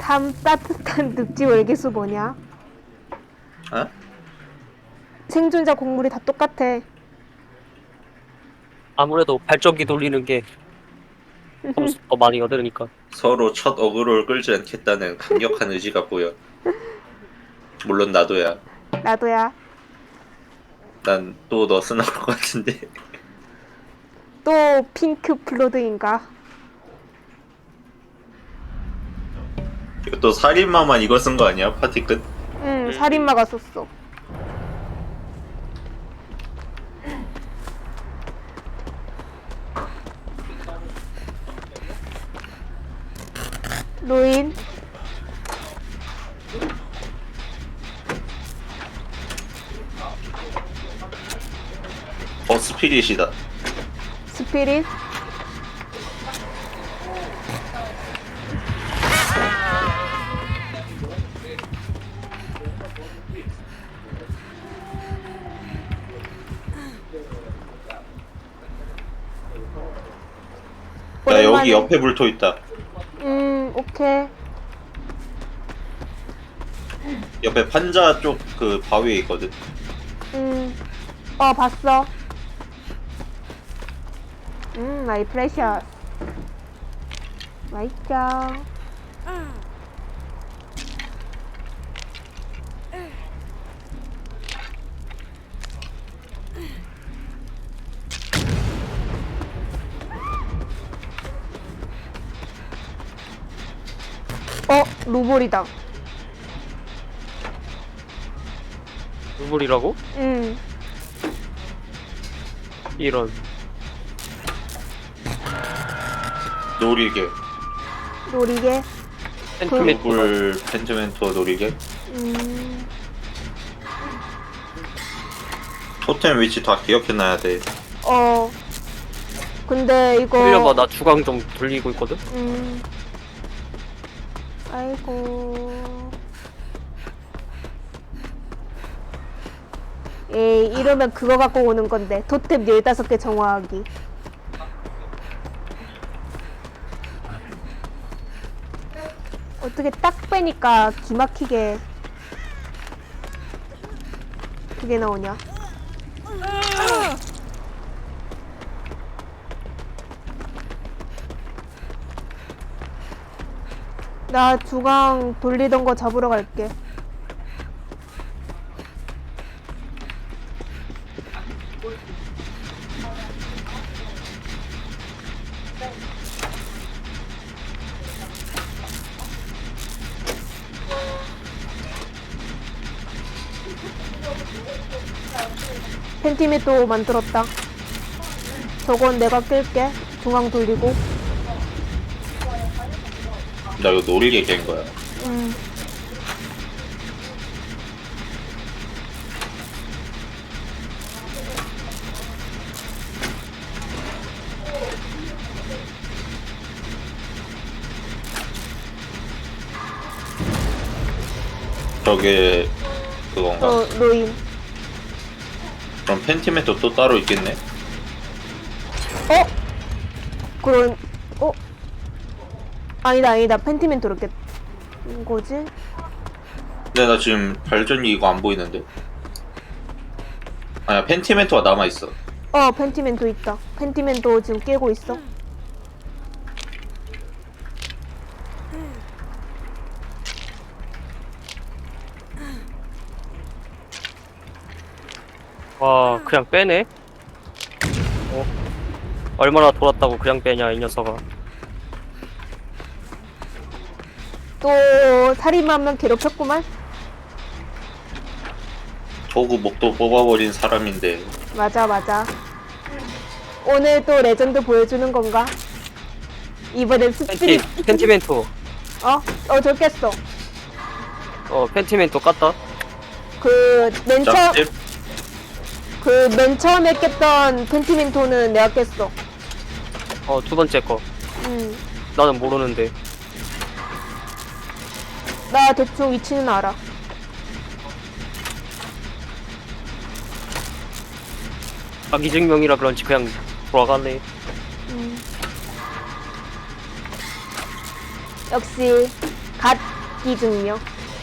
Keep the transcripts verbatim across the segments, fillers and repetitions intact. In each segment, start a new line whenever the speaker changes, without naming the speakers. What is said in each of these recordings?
탐 따뜻한 늪지 월계수 뭐냐?
어?
생존자 곡물이 다 똑같아.
아무래도 발전기 돌리는 게 점수 더 많이 얻으니까.
서로 첫 어그로를 끌지 않겠다는 강력한 의지가 보여. 물론 나도야.
나도야.
난 또 너스 나올 것 같은데.
또 핑크 플로드인가?
이거 또 살인마만 이거 쓴 거 아니야? 파티 끝?
응, 살인마가 썼어. 루인.
어 스피릿이다.
스피릿.
야
오랜만에-
여기 옆에 불토 있다.
음, 오케이.
옆에 판자 쪽 그 바위에 있거든.
음, 어, 봤어. 음, 마이 프레셔. 맛있죠. 어, 루볼이다.
누굴이라고?
음,
이런.
노리개.
노리개.
펜트맨
물 펜트멘토 노리개.
음,
토템 위치 다 기억해놔야 돼.
어. 근데 이거.
흘려봐. 나 주강 좀 돌리고 있거든.
음. 아이고. 에이, 이러면 그거 갖고 오는 건데. 토템 열다섯 개 정화하기. 어떻게 딱 빼니까 기막히게 그게 나오냐? 나 주강 돌리던 거 잡으러 갈게. 펜티메도 만들었다. 저건 내가 낄게. 중앙 돌리고.
나 이거 노리개 깬 거야.
음.
저게 그건가?
어, 로인.
그럼 펜티멘토 또 따로 있겠네?
어? 그런, 어? 아니다, 아니다. 펜티멘토로 깼, 거지?
근데 나 지금 발전기 이거 안 보이는데? 아니야 펜티멘토가 남아있어.
어, 펜티멘토 있다. 펜티멘토 지금 깨고 있어.
와, 그냥 빼네? 어? 얼마나 돌았다고 그냥 빼냐, 이 녀석아.
또, 살인마 한 명 괴롭혔구만?
도구 목도 뽑아버린 사람인데
맞아, 맞아. 오늘 또 레전드 보여주는 건가? 이번엔
펜티,
스피릿.
펜티멘토.
어? 어, 저 깼어.
어, 펜티멘토 깠다.
그, 맨 처음,
짭집?
그, 맨 처음에 깼던 펜티멘토는 내가 깼어.
어, 두 번째 거.
음.
나는 모르는데.
나 대충 위치는 알아.
자기 증명이라 그런지 그냥 돌아가네.
음. 역시 갓기 증명.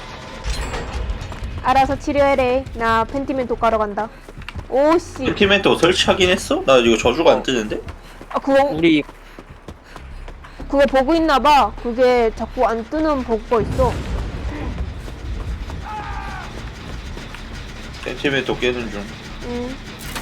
알아서 치료해래. 나 펜티멘토 까러 간다. 오씨.
펜티멘토 설치하긴 했어? 나 이거 저주가 안 뜨는데?
아 그거
우리
그거 버그 있나봐. 그게 자꾸 안 뜨는 버그가 있어.
펜티멘토 깨는 중.
음.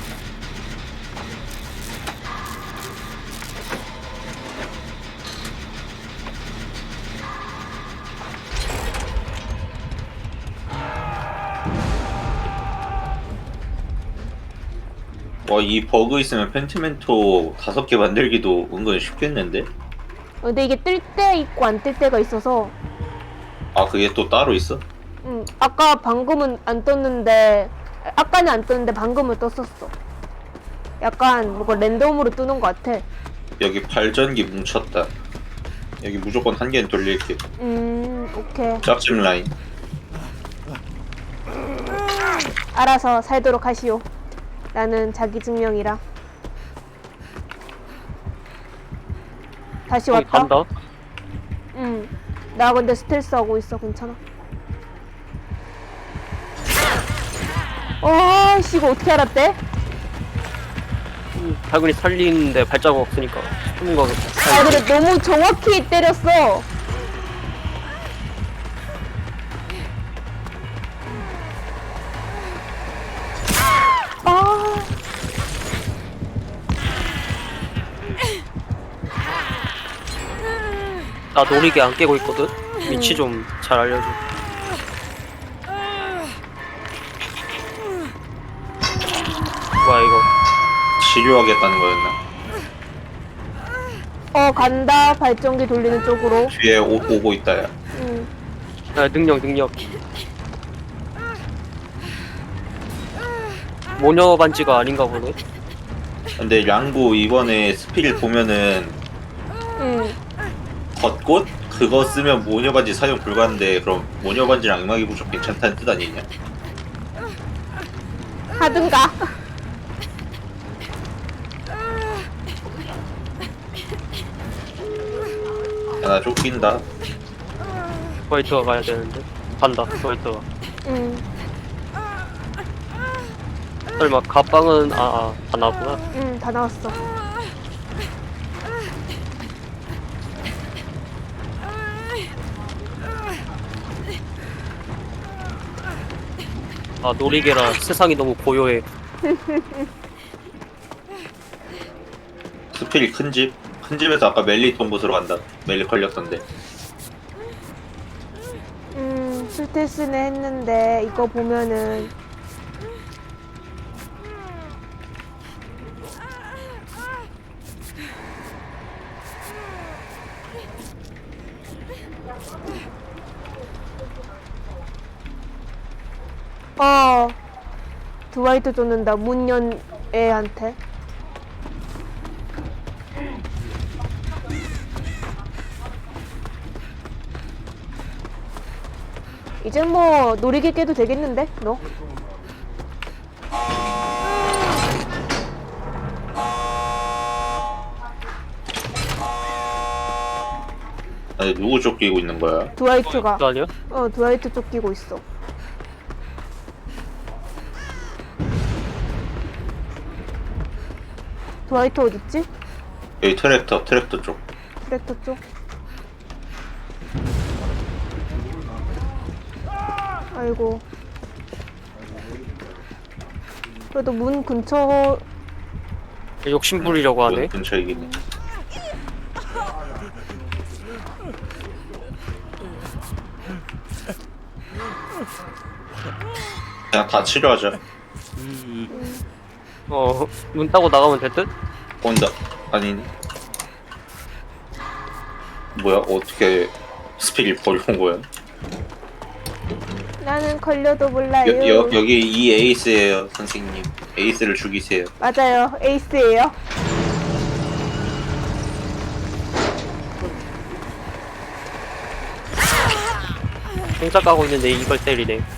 와, 이 버그 있으면 펜티멘토 다섯 개 만들기도 은근 쉽겠는데?
어, 근데 이게 뜰 때 있고 안 뜰 때가 있어서.
아, 그게 또 따로 있어?
음. 아까 방금은 안 떴는데 아까는 안 떴는데 방금은 떴었어. 약간 뭐가 랜덤으로 뜨는 것 같아.
여기 발전기 뭉쳤다. 여기 무조건 한 개는 돌릴게.
음. 오케이.
짭집 라인.
알아서 살도록 하시오. 나는 자기 증명이라. 다시
거기
왔다.
간다.
응. 나 근데 스텔스 하고 있어. 괜찮아. 와, 씨, 이거 어떻게 알았대?
발근이 살리는데 발자국 없으니까 숨은 거.
아, 근데 너무 정확히 때렸어. 아,
나 노리게 안 깨고 있거든. 위치 좀 잘 알려줘. 뭐야 이거?
치료하겠다는 거였나?
어, 간다. 발전기 돌리는 쪽으로.
뒤에 오, 오고 있다, 야.
응.
야, 능력 능력. 모녀 반지가 아닌가 보네.
근데 량구 이번에 스피릿 보면은
응.
겉꽃? 그거 쓰면 모녀반지 사용 불가인데 그럼 모녀반지랑 음악이 부족 괜찮다는 뜻 아니냐?
하든가.
야, 나 쫓긴다.
화이트가 가야 되는데. 간다. 화이트가.
응.
설마 가방은 아아 다 나왔구나.
응, 다 나왔어.
아 놀이개라 세상이 너무 고요해.
스피릿 큰 집? 큰 집에서 아까 멜리 돈 곳으로 간다. 멜리 걸렸던데.
음, 스텔스는 했는데 이거 보면은 어, 드와이트 쫓는다. 문연 애한테. 이제 뭐 놀이개 깨도 되겠는데? 너?
아니, 누구 쫓기고 있는 거야?
드와이트가.
그거 아니야?
어, 드와이트 쫓기고 있어. 드와이트 어딨지?
여기 트랙터, 트랙터 쪽.
트랙터 쪽. 아이고. 그래도 문 근처.
욕심 부리려고 하네.
문 근처이긴 해. 그냥 다 치료하자.
어, 문 따고 나가면 될 듯?
온다. 아니네. 뭐야? 어떻게 스피릿 버리고 온 거야?
나는 걸려도 몰라요.
여, 여, 여기 이 에이스예요, 선생님. 에이스를 죽이세요.
맞아요. 에이스예요.
공짜 까고 있는데 이걸 때리네.